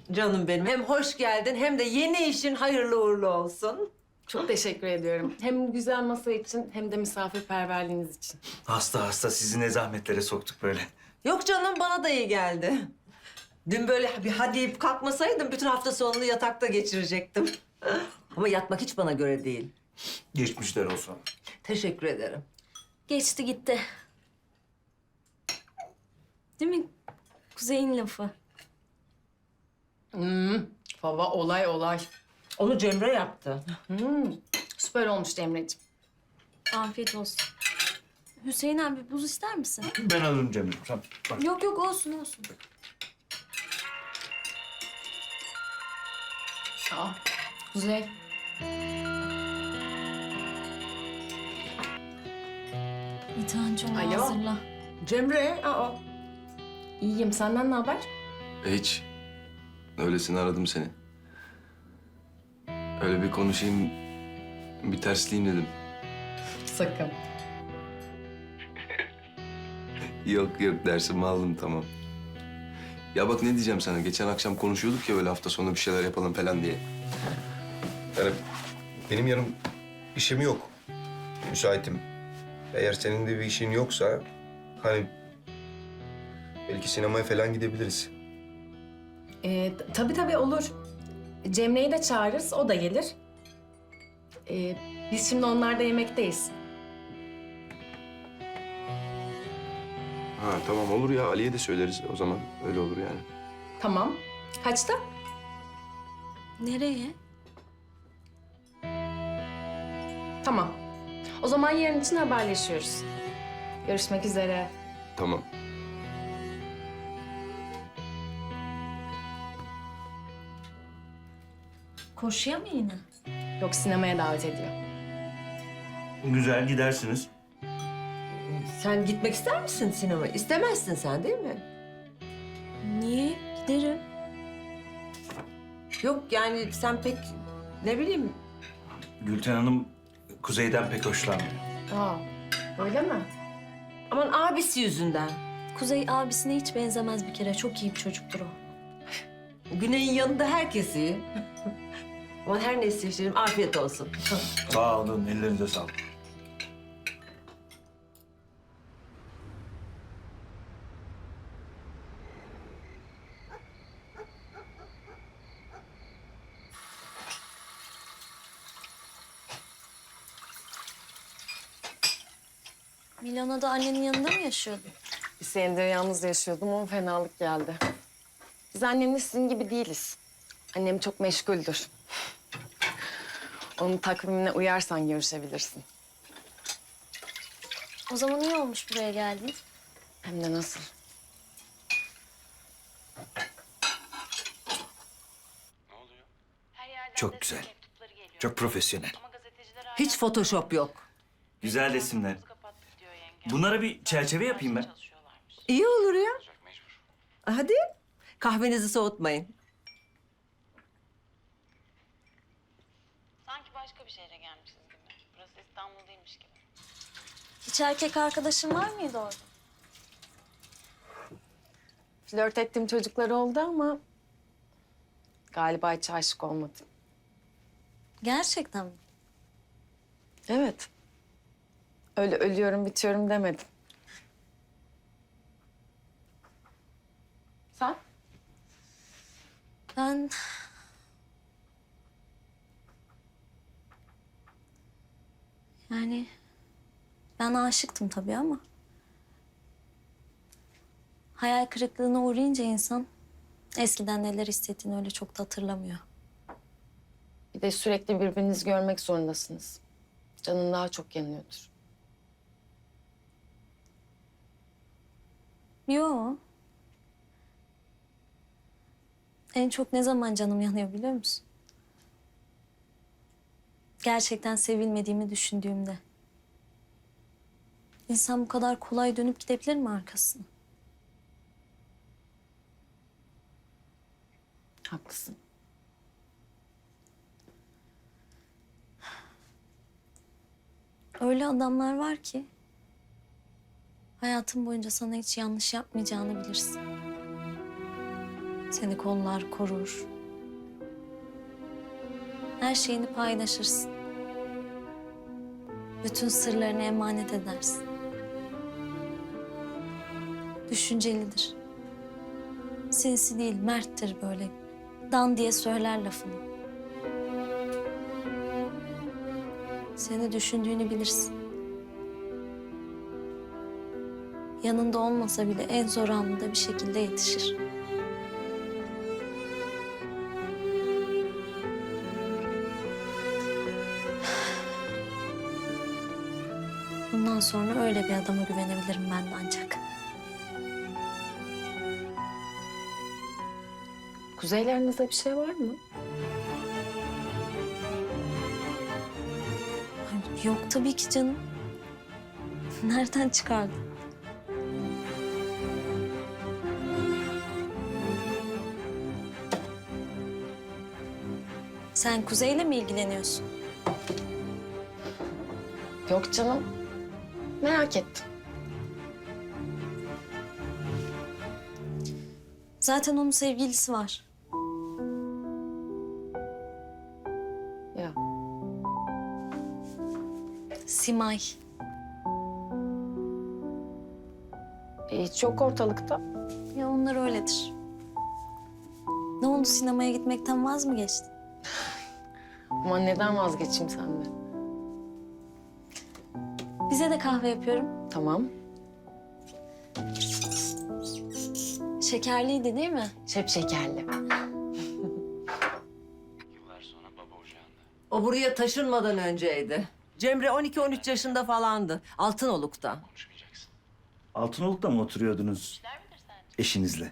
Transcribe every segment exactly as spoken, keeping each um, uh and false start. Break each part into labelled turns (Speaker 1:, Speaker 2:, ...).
Speaker 1: Canım benim. Hem hoş geldin hem de yeni işin hayırlı uğurlu olsun.
Speaker 2: Çok teşekkür ediyorum. Hem bu güzel masa için hem de misafirperverliğiniz için.
Speaker 3: Hasta hasta sizi ne zahmetlere soktuk böyle.
Speaker 1: Yok canım bana da iyi geldi. Dün böyle bir hadi deyip kalkmasaydım bütün hafta sonunu yatakta geçirecektim. Ama yatmak hiç bana göre değil.
Speaker 3: Geçmişler olsun.
Speaker 1: Teşekkür ederim.
Speaker 4: Geçti gitti. Değil mi? Kuzey'in lafı.
Speaker 2: Hmm, baba olay olay.
Speaker 1: Onu Cemre yaptı.
Speaker 2: Hmm, süper olmuş Cemre'ciğim.
Speaker 4: Afiyet olsun. Hüseyin abi buz ister misin?
Speaker 3: Ben alırım Cemil. Sen bak.
Speaker 4: Yok yok olsun olsun.
Speaker 2: Aa, Kuzey.
Speaker 4: Bir tane onu
Speaker 2: Alo.
Speaker 4: hazırla.
Speaker 1: Cemre, aa.
Speaker 2: İyiyim. Senden ne haber?
Speaker 5: Hiç. Öylesine aradım seni. Öyle bir konuşayım, bir tersleyeyim dedim.
Speaker 2: Sakın.
Speaker 5: Yok yok dersimi aldım tamam. Ya bak ne diyeceğim sana. Geçen akşam konuşuyorduk ya böyle hafta sonu bir şeyler yapalım falan diye.
Speaker 6: Yani benim yarın işim yok. Müsaitim. Eğer senin de bir işin yoksa hani belki sinemaya falan gidebiliriz.
Speaker 2: Ee, t- tabii tabii olur. Cemre'yi de çağırırız, o da gelir. Ee, biz şimdi onlarda yemekteyiz.
Speaker 5: Ha tamam olur ya Ali'ye de söyleriz o zaman. Öyle olur yani.
Speaker 2: Tamam. Kaçta?
Speaker 4: Nereye?
Speaker 2: Tamam. O zaman yarın için haberleşiyoruz. Görüşmek üzere.
Speaker 5: Tamam.
Speaker 4: Koşuya mı yine?
Speaker 2: Yok, sinemaya davet ediyor.
Speaker 3: Güzel gidersiniz.
Speaker 1: Sen gitmek ister misin sinemaya? İstemezsin sen değil mi?
Speaker 4: Niye? Giderim.
Speaker 1: Yok yani sen pek ne bileyim.
Speaker 3: Gülten Hanım Kuzey'den pek hoşlanmıyor.
Speaker 2: Aa, öyle mi?
Speaker 1: Aman abisi yüzünden.
Speaker 4: Kuzey abisine hiç benzemez bir kere. Çok iyi bir çocuktur o.
Speaker 1: Güney'in yanında herkes iyi. Aman her neyse işte afiyet olsun.
Speaker 3: Sağ olun, ellerinize sağlık.
Speaker 4: Milano'da annenin yanında mı yaşıyordun?
Speaker 2: Bir senedir yalnız yaşıyordum ama fenalık geldi. Biz annemle sizin gibi değiliz. Annem çok meşguldür. Onun takvimine uyarsan görüşebilirsin.
Speaker 4: O zaman iyi olmuş buraya geldin.
Speaker 2: Hem de nasıl?
Speaker 3: Çok güzel. Çok profesyonel.
Speaker 1: Hiç Photoshop yok.
Speaker 3: Güzel resimler. Bunlara bir çerçeve yapayım ben.
Speaker 1: İyi olur ya. Hadi kahvenizi soğutmayın.
Speaker 7: Sanki başka bir şehre gelmişiz gibi. Burası İstanbul değilmiş gibi.
Speaker 4: Hiç erkek arkadaşın var mıydı orada?
Speaker 2: Flört ettiğim çocuklar oldu ama galiba hiç aşık olmadım.
Speaker 4: Gerçekten mi?
Speaker 2: Evet. Öyle ölüyorum bitiyorum demedim. Sen?
Speaker 4: Ben... Yani... Ben aşıktım tabii ama... Hayal kırıklığına uğrayınca insan... Eskiden neler hissettiğini öyle çok da hatırlamıyor.
Speaker 2: Bir de sürekli birbirinizi görmek zorundasınız. Canın daha çok yanıyordur.
Speaker 4: Yo. En çok ne zaman canım yanıyor biliyor musun? Gerçekten sevilmediğimi düşündüğümde. İnsan bu kadar kolay dönüp gidebilir mi arkasına?
Speaker 2: Haklısın.
Speaker 4: Öyle adamlar var ki... hayatın boyunca sana hiç yanlış yapmayacağını bilirsin. Seni kollar, korur. Her şeyini paylaşırsın. Bütün sırlarını emanet edersin. Düşüncelidir. Sinsi değil, merttir böyle. Dan diye söyler lafını. Seni düşündüğünü bilirsin. Yanında olmasa bile en zor anında bir şekilde yetişir. Bundan sonra öyle bir adama güvenebilirim ben de ancak.
Speaker 2: Kuzeylerinizde bir şey var mı?
Speaker 4: Ay, yok tabii ki canım. Nereden çıkardın? Sen Kuzey'le mi ilgileniyorsun?
Speaker 2: Yok canım. Merak ettim.
Speaker 4: Zaten onun sevgilisi var.
Speaker 2: Ya.
Speaker 4: Simay.
Speaker 2: E, hiç yok ortalıkta.
Speaker 4: Ya onlar öyledir. Ne oldu, sinemaya gitmekten vaz mı geçtin?
Speaker 2: Ama neden vazgeçeyim senden?
Speaker 4: Bize de kahve yapıyorum.
Speaker 2: Tamam.
Speaker 4: Şekerliydi değil mi?
Speaker 2: Şep şekerli.
Speaker 1: O buraya taşınmadan önceydi. Cemre on iki on üç yaşında falandı. Altınoluk'ta.
Speaker 3: Altınoluk'ta mı oturuyordunuz eşinizle?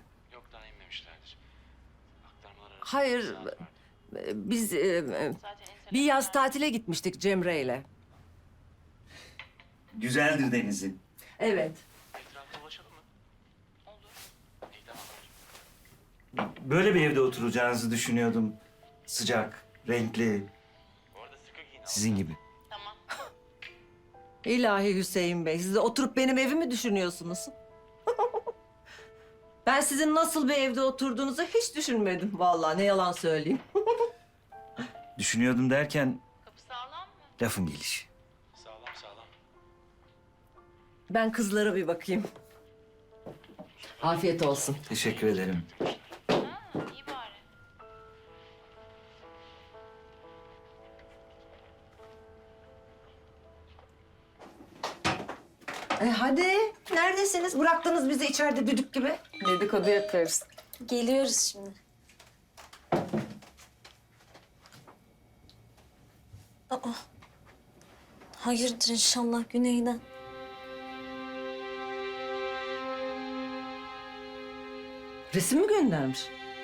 Speaker 1: Hayır, e, biz e, e, bir yaz tatile gitmiştik Cemre'yle.
Speaker 3: Güzeldir denizi.
Speaker 1: Evet.
Speaker 3: Böyle bir evde oturacağınızı düşünüyordum. Sıcak, renkli. Sizin gibi.
Speaker 1: İlahi Hüseyin Bey, siz de oturup benim evimi düşünüyorsunuz. Ben sizin nasıl bir evde oturduğunuzu hiç düşünmedim vallahi, ne yalan söyleyeyim.
Speaker 3: Düşünüyordum derken
Speaker 7: Kapı sağlam mı?
Speaker 3: lafın gelişi.
Speaker 1: Ben kızlara bir bakayım. Afiyet olsun.
Speaker 3: Teşekkür ederim.
Speaker 7: Ha, iyi bari.
Speaker 1: E hadi, neredesiniz? Bıraktınız bizi içeride düdük gibi.
Speaker 2: Dedikodu yapıyoruz.
Speaker 4: Geliyoruz şimdi. Aa. Hayırdır inşallah Güney'den.
Speaker 1: Resim mi göndermiş?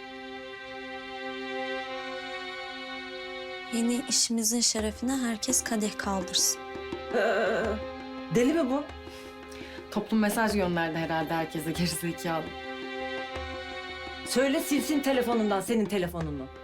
Speaker 4: Yeni işimizin şerefine herkes kadeh kaldırsın.
Speaker 1: Ee, deli mi bu?
Speaker 2: Toplum mesaj gönderdi herhalde herkese gerizekalı.
Speaker 1: Söyle silsin telefonundan senin telefonunu.